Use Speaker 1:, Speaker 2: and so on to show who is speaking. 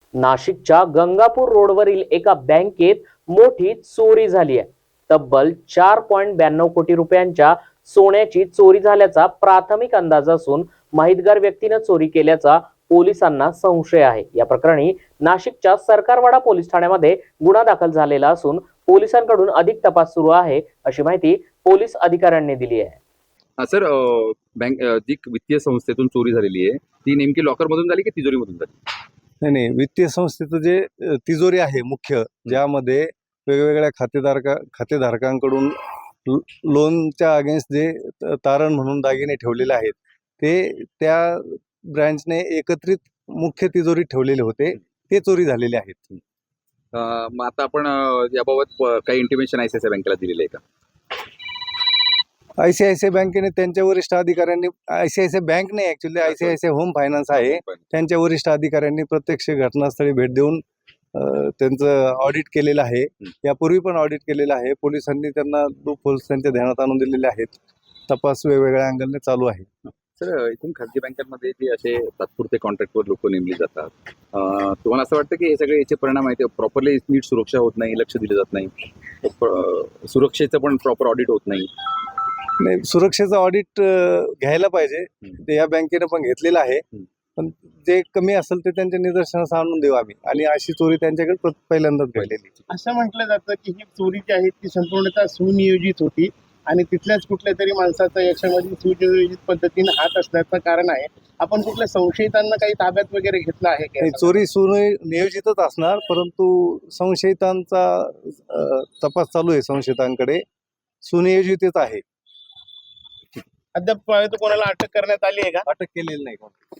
Speaker 1: नाशिकच्या गंगापूर रोडवरील एका बँकेत मोठी चोरी झाली आहे। तब्बल 4.92 कोटी रुपयांच्या सोन्याची चोरी झाल्याचा प्राथमिक अंदाज असून माहितगार व्यक्तीने चोरी केल्याचा पोलिसांना संशय आहे। या प्रकरणी नाशिकच्या सरकारवाडा पोलीस ठाण्यामध्ये गुन्हा दाखल झालेला असून पोलिसांकडून अधिक तपास सुरू आहे, अशी माहिती पोलीस अधिकाऱ्यांनी दिली आहे।
Speaker 2: सर, बँक जी वित्तीय संस्थेतून चोरी झालेली आहे ती नेमकी लॉकर मधून झाली की तिजोरीमधून झाली?
Speaker 3: नाही, वित्तीय संस्थेचं जे तिजोरी आहे मुख्य, ज्यामध्ये वेगवेगळ्या खातेधारकांकडून लोनच्या अगेन्स्ट जे तारण म्हणून दागिने ठेवलेले आहेत, ते त्या ब्रँचने एकत्रित मुख्य तिजोरीत ठेवलेले होते, ते चोरी झालेले आहेत।
Speaker 2: मग आता आपण याबाबत काही इंटिमेशन ICICI बँकेला दिलेलं आहे का?
Speaker 3: ICICI बँकेने त्यांच्या वरिष्ठ अधिकाऱ्यांनी, ICICI बँक नाही ऍक्च्युअली, ICICI होम फायनान्स आहे, त्यांच्या वरिष्ठ अधिकाऱ्यांनी प्रत्यक्ष घटनास्थळी भेट देऊन त्यांचं ऑडिट केलेलं आहे। यापूर्वी पण ऑडिट केलेलं आहे। पोलिसांनी त्यांना लूपहोल्स त्यांच्या ध्यानात आणून दिलेले आहेत। तपास वेगवेगळ्या अँगलने चालू आहे।
Speaker 2: सर, इथून खाजगी बँकांमध्ये जे असे तात्पुरते कॉन्ट्रॅक्टवर लोक नेमली जातात, तुम्हाला असं वाटतं की हे सगळे याचे परिणाम आहेत, प्रॉपरली नीट सुरक्षा होत नाही, लक्ष दिलं जात नाही, सुरक्षेचं पण प्रॉपर ऑडिट होत नाही?
Speaker 3: नाही, सुरक्षेचं ऑडिट घ्यायला पाहिजे, ते या बँकेनं पण घेतलेलं आहे, पण जे कमी असेल ते त्यांच्या निदर्शनास आणून देऊ आम्ही। आणि अशी चोरी त्यांच्याकडे पहिल्यांदाच घडलेली।
Speaker 4: असं म्हटलं जातं की ही चोरी जी आहे ती संपूर्णतः सुनियोजित होती आणि तिथल्याच कुठल्या तरी माणसाचा याच्यामध्ये सुनियोजित पद्धतीने हात असल्याचं कारण आहे। आपण कुठल्या संशयितांना काही ताब्यात वगैरे घेतलं आहे का?
Speaker 3: चोरी सुनियोजितच असणार, परंतु संशयितांचा तपास चालू आहे। संशयितांकडे सुनियोजितच आहे।
Speaker 4: अद्याप कोणाला अटक करण्यात आली आहे का?
Speaker 3: अटक केलेली नाही।